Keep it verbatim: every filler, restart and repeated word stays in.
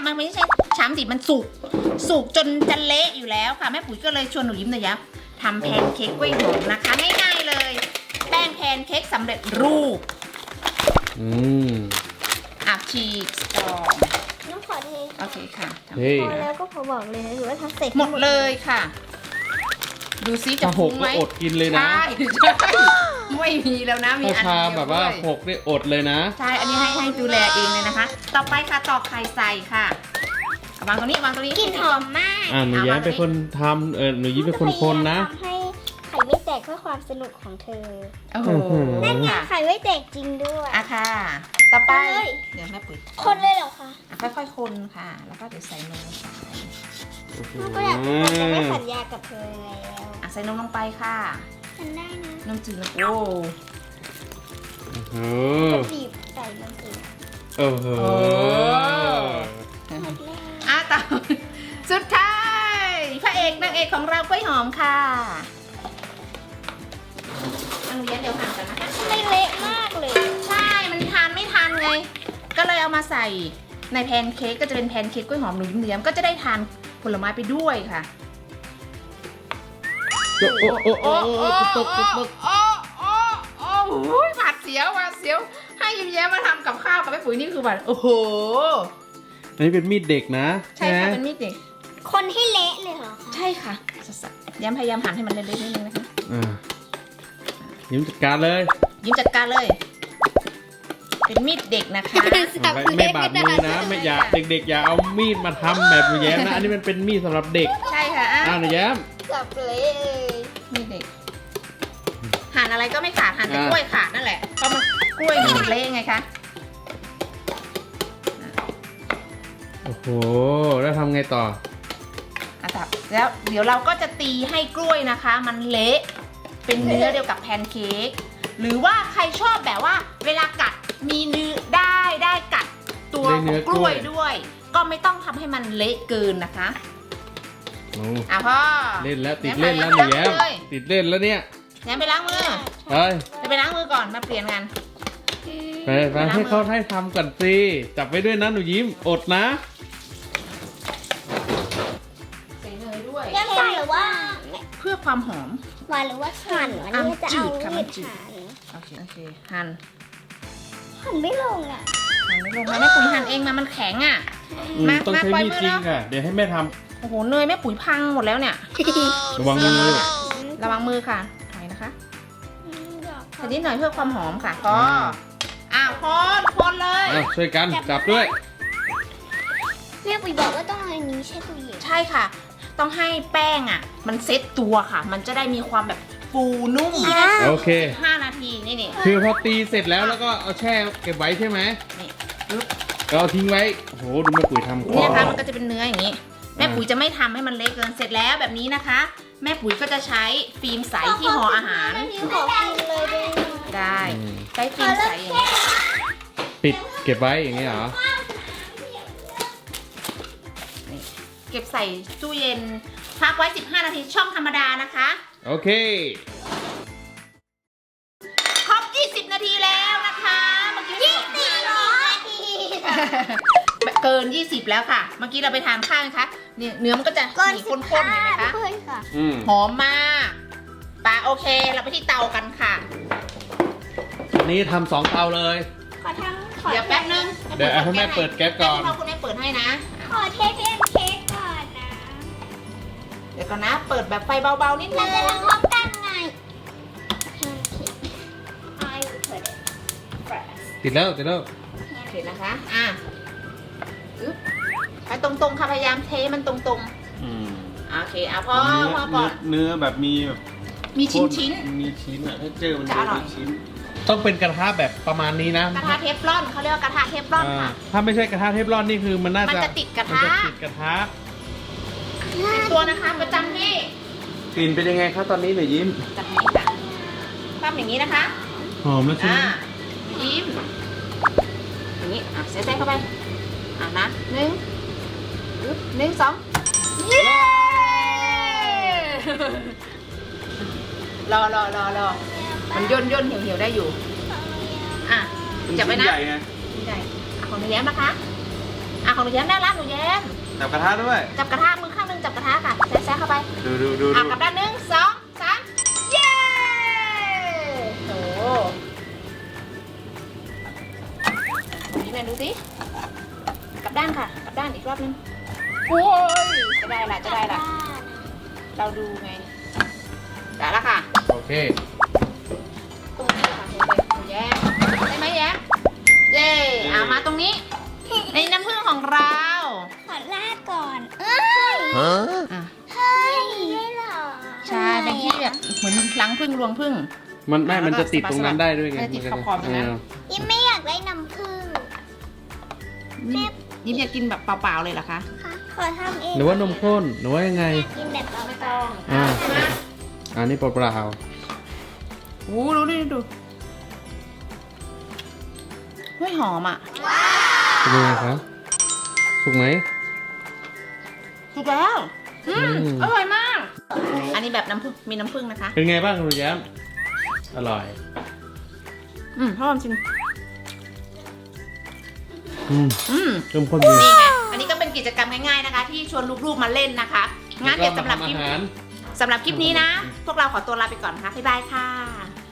มันไม่ใช่ช้ำสิมันสุกสุกจนจะเละอยู่แล้วค่ะแม่ปุ๋ยก็เลยชวนหนูยิ้มหน่อยยะทำแพนเค้กกล้วยหอมนะคะง่ายๆเลยแป้งแพนเค้กสำเร็จรูปอืมอ่ะฉีกซองน้ำขอเทโอเคค่ะเฮ้ยพอแล้วก็พอบอกเลยหรือว่าทำเสร็จหมดเลยค่ะ ดูซิจะถ้าหฟุ้กงก็ไหมอดกินเลยนะใช่ใช่ไม่มีแล้วนะมีถ้าอันชาเดียวแบบว่าด้วยหกนี่อดเลยนะใช่อันนี้ให้ให้ดูแลเองเลยนะคะ ต่อไปค่ะตอกไข่ใส่ค่ะเอาวางตรงนี้วางตรงนี้กลิ่นหอมมากอ่าหนูแย้มเป็นคนทำเออหนูยิ้มเป็นคนคนนะทำให้ไข่ไม่แตกเพื่อความสนุกของเธอโอ้โหนั่นไงค่ะไข่ไม่แตกจริงด้วยอ่ะค่ะ ต่อไปเฮ้ยเดี๋ยวแม่ปุ๋ยคนเลยเหรอคะอ่ะค่อยๆคนค่ะ แล้วก็เดี๋ยวใส่นมใส่เราก็อยากเป็นคนจะไม่สัญญากับเธอแล้วอ่ะใส่นมลงไปค่ะฉันได้นะนมจืดนมโอ้เออก็บีบใส่มันสิเออเออหมดแล้วอ่ะต่อสุดท้ายพระเอกนางเอกของเรากล้วยหอมค่ะอันนี้เดี๋ยวหั่นกันนะคะไม่เละมากเลยใช่มันทานไม่ทันไง ก็เลยเอามาใส่ในแพนเค้กก็จะเป็นแพนเค้กกล้วยหอมหนุ่มเนียมก็จะได้ทานผลไม้ไปด้วยค่ะโอ้โอ้โอ้โอ้ตกตกตกโอ้โอ้โอ้โหหวาดเสียวหวาดเสียวให้ยิ้มแย้มมาทำกับข้าวกับแม่ปุ๋ยนี่คือแบบโอ้โหอันนี้เป็นมีดเด็กนะใช่ค่ะเป็นมีดเด็กคนให้เละเลยเหรอคะใช่ค่ะสัสๆย้ำพยายามหั่นให้มันเล็กๆนิดนึงนะคะอ่ายิ้มจัดการเลยยิ้มจัดการเลย เป็นมีดเด็กนะคะไม่ไม่บาดมือนะไม่อย่าเด็กๆอย่าเอามีดมาทำแบบหนูแย้มนะอันนี้มันเป็นมีดสำหรับเด็กใช่ค่ะอ่ะอ้าวหนูแย้มจับเละเลยมีดเด็กหั่นอะไรก็ไม่ขาดหั่นแต่อ่ะกล้วยขาดนั่นแหละเพราะมันกล้วยมันเละไงคะโอ้โหแล้วทำไงต่ออ่ะครับแล้วเดี๋ยวเราก็จะตีให้กล้วยนะคะ มันเละเป็นเนื้อเดียวกับแพนเค้กหรือว่าใครชอบแบบว่าเวลากัดมีเนื้อได้ได้กัดตัวได้ขเนื้องอก กล้ล้ววย ยด้วย ก็ไม่ต้องทำให้มันเละเกินนะคะโอ้อ่ะพ่อเล่นแล้วติดเล่นแล้วหนูแย้มติดเล่นแล้วเนี่ยแย้มไปล้างมือเฮ้ยจะไปล้างมือก่อนมาเปลี่ยนกันไปไปให้เขาให้ทำก่อนสิจับไว้ด้วยนะหนูยิ้มอดนะใส่เนยด้วยแยมใส่หรือว่าเพื่อความหอมหวานหรือว่าหั่นอันอ่ะนี้จะจืเอาดค่ะมัมีนดจืดหั่นโอเคโอเคหั่นหั่นไม่ลงอ่ะหั่นไม่ลงมาแม่ปุ๋ยหั่นเองมามันแข็งอ่ะอืมมาต้องมาใช้ปล่อยมีดมือจริงแล้วค่ะเดี๋ยวให้แม่ทโอ้โหเนยแม่ปุ๋ยพังหมดแล้วเนี่ยำระวังมือระวังมือค่ะถอยนะคะอืมอยากใส่นิดหน่อยเพื่อความหอมค่ะก็อ้าวคนคนเลยเอาช่วยกันจับด้วยแม่ปุ๋ยบอกว่าต้องเอาอันนี้ใช่ตู้เย็นใช่ค่ะ ต้องให้แป้งอ่ะ มันเซ็ตตัวค่ะ มันจะได้มีความแบบฟูนุ่มโอเคห้านาทีนี่นี่คือพอตีเสร็จแล้วแล้วก็เอาแช่เก็บไว้ใช่ไหมนี่ปึ๊บเราเอาทิ้งไว้โอ้โหดูแม่ปุ๋ยทำนี่นะคะมันก็จะเป็นเนื้ออย่างนี้ แม่ปุ๋ยจะไม่ทำให้มันเละเกินเสร็จแล้วแบบนี้นะคะ แม่ปุ๋ยก็จะใช้ฟิล์มใสที่ห่ออาหารแม่ปุ๋ยขอกินเลยได้ไหมได้ใช้ฟิล์มใสอย่างนี้ปิดเก็บไว้อย่างนี้เหรอเก็บใส่ตู้เย็นพักไว้สิบห้านาทีช่องธรรมดานะคะโอเคครบยี่สิบนาทีแล้วนะคะเมื่อกี้ยี่สิบนาทีเกินยี่สิบแล้วค่ะ เมื่อกี้เราไปทานข้าวนะคะเนี่ยเนื้อมันก็จะก่อนมีสิข้บนห้าๆเห็นไหมคะด้วยค่ะอืมหอมมากปะโอเคเราไปที่เตากันค่ะอันนี้ทำสองเตาเลยขอทำขอเดี๋ยวแป๊บนึงเดี๋ยวให้แม่เปิดแก๊สก่อนให้คุณแม่เปิดให้นะขอเทสเค้กก่อนนะเดี๋ยวก่อนนะ เปิดแบบไฟเบาๆนิดนึเรางจะทำพร้อมกันไงทำเค้ก I will put it first ติดแล้วติดแล้วโอเคนะคะอ่ะอึ๊บไปตรงๆค่ะพยายามเทมันตรงอืมๆโอเคอ่ะพอพอก่อนเนื้อแบบมีแบบมีชิ้นๆมีชิ้นอะถ้าเจอมันจะอร่อยมีชิ้น ต้องเป็นกระทะแบบประมาณนี้นะกระทะเทฟลอนเขาเรียกว่ากระทะเทฟลอนอ่าค่ะถ้าไม่ใช่กระทะเทฟลอนนี่คือมันน่าจะมันจะติดกระทะมันจะติดกระทะเป็นตัวนะคะประจำที่กลิ่นเป็นยังไงครับตอนนี้หนูยิ้มจับนี้ค่ะปั้มอย่างนี้นะคะหอมแล้วใช่ไหมอ่ายิ้มอย่างนี้อ่ะเสียใจเข้าไปอ่ะนะหนึ่งอึ๊บหนึ่งสองเย้รอรอรอรอมันย่นย่นเหี่ยวเหี่ยวได้อยู่อ่ะจับไว้นะใหญ่ไงนี่ได้อ่ะของหนูแย้มนะคะอ่ะของหนูแย้มได้แล้วหนูแย้มจับกระทะด้วยจับกระทะมือข้างหนึงจับกระทะค่ะแซะๆเข้าไปดูดูดูอ่ะดูกลับด้านหนึ่งสองสามเย้โอ้นี่แม่ดูสิกลับด้านค่ะกลับด้านอีกรอบนึงโอ้ยจะได้ละจะได้ละเราดูไงได้ละค่ะโอเคตรงนี้ค่ะหนูแย้มได้ไหมแย้มเย้เอามาตรงนี้ในน้ำผึ้งของเราขอลาดก่อน เอ้ยอ่ะเฮ้ยได้เหรอใช่เป็นที่แบบเหมือนล้างผึ้งรวงผึ้งมันไม่มันจะติดตรงนั้นได้ด้วยไงเออติดขอบๆตรงนั้นเยิ้มไม่อยากได้น้ำผึ้งยิ้มยิ้มอยากกินแบบเปล่าๆเลยเหรอคะค่ะขอทำเองหรือว่านมข้นหรือว่ายังไงกินแบบเปไม่ล่าต้องอ่าใช่ไหมอันนี้เปล่าโอ้ดูดิดูเฮ้ยหอมอ่ะๆเป็นยังไงครับถูกไหมถูกแล้วอืมอืมอร่อยมาก อันนี้แบบน้ำผึ้งมีน้ำผึ้งนะคะเป็นไงบ้างคุณแย้มอร่อยอืมพ่อความจริงอืมอืมเริ่มข้นดีนี่ไงอันนี้ก็เป็นกิจกรรมง่ายๆนะคะ ที่ชวนลูกๆมาเล่นนะคะงั้นเดี๋ยวสำหรับคลิปแล้วก็มาทำอาหารสำหรับคลิปนี้นะ พวกเราขอตัวลาไปก่อนนะคะบ๊ายบายค่ะ